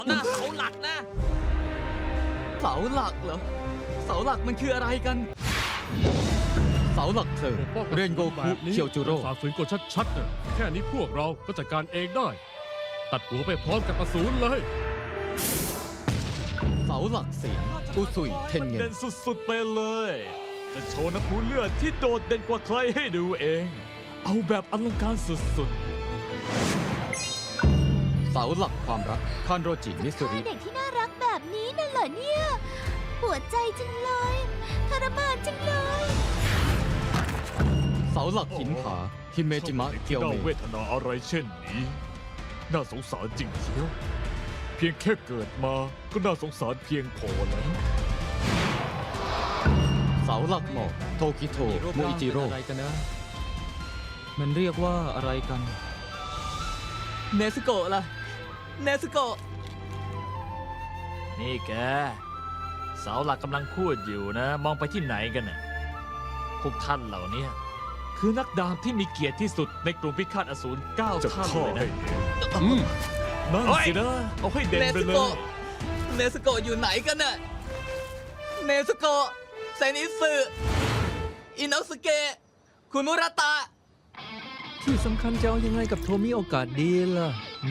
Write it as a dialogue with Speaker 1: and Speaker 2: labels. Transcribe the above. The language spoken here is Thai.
Speaker 1: หน้าเสาหลักนะ
Speaker 2: เสาหลักเหรอ เสาหลักมันคืออะไรกัน เสาหลักเพลิงเรียนโกคุเคียวจูโร่
Speaker 3: ฝ่าฝืนกฎชัดๆน่ะแค่นี้พวกเราก็จัดการเองได้ ตัดหัวไปพร้อมกับอสูรเลย
Speaker 2: เสาหลักเสียงอุซุยเทนเงิ
Speaker 1: เด่
Speaker 2: น
Speaker 1: นสุดๆไปเลย จะโชว์น้ำพุเลือดที่โดดเด่นกว่าใครให้ดูเอง เอาแบบอลังการสุด
Speaker 2: เสาหลักความรักคานโรจิมิสุริ
Speaker 4: เด็กที่น่ารักแบบนี้น่ะเหรอเนี่ยปวดใจจังเลยทรมานจังเลย
Speaker 2: เสาหลักหินผาฮิเม
Speaker 1: ๆ
Speaker 2: จิมะเกียว
Speaker 1: น่า
Speaker 2: เม
Speaker 1: เวทนาอะไรเช่นนี้ น่าสงสารจริงเชียว เพียงแค่เกิดมาก็น่าสงสารเพียงพอแล้ว
Speaker 2: เสาหลักหมอกโทคิโทโมอิจิโร่อะไรกันนะ มันเรียกว่าอะไรกัน เนสโกะล่ะ เนสโกะ
Speaker 1: นี่แก เสาหลักกำลังพูดอยู่นะ มองไปที่ไหนกันน่ะพวกท่านเหล่านี้คือนักดาบที่มีเกียรติที่สุดในกลุ่มพิฆาตอสูร9ท่านเลยนะนั่นสินะ เอาให้เด่นไปเลย
Speaker 2: เนสโกะอยู่ไหนกันน่ะ เนสโกะไซนิสึอินโนสเกะคุณมุราตะ
Speaker 5: ที่สำคัญจะเอายังไงกับโทมิโอกาสดีล่ะ